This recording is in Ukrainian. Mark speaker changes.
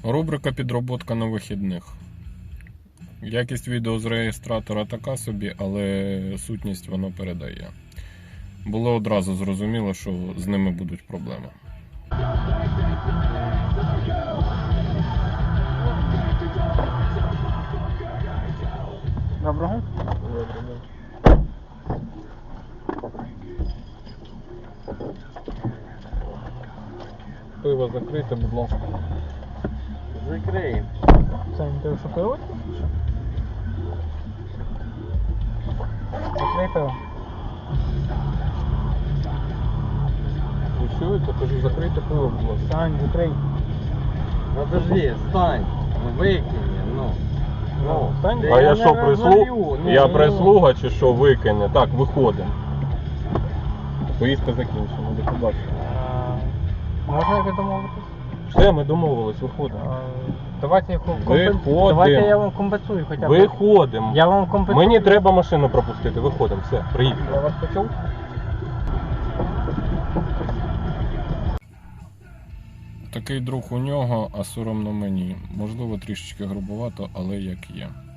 Speaker 1: Рубрика «Підроботка на вихідних». Якість відео з реєстратора така собі, але сутність воно передає. Було одразу зрозуміло, що з ними будуть проблеми.
Speaker 2: Доброго.
Speaker 1: Пиво закрите, будь ласка.
Speaker 2: Закриємо. Це не те, що пиво? Закрий пиво.
Speaker 1: Ви чуєте? Кажу, закрите пиво, будь ласка.
Speaker 2: Сань, закрий.
Speaker 3: Подожди, стань, викині, ну.
Speaker 2: Стань.
Speaker 1: А я
Speaker 3: не
Speaker 1: що,
Speaker 3: розолью, ну,
Speaker 1: Я
Speaker 3: ну.
Speaker 1: прислуга чи що, викине? Так, виходимо. Поїздка закінчена, до побачення.
Speaker 2: Можна якось домовитись?
Speaker 1: Все, ми домовились, виходимо.
Speaker 2: Давайте я
Speaker 1: Виходимо.
Speaker 2: Давайте я вам компенсую хоча б.
Speaker 1: Виходимо.
Speaker 2: Я вам компенсую.
Speaker 1: Мені треба машину пропустити, виходимо, все, приїхали.
Speaker 2: Я вас почув.
Speaker 1: Такий друг у нього, а соромно мені. Можливо, трішечки грубовато, але як є.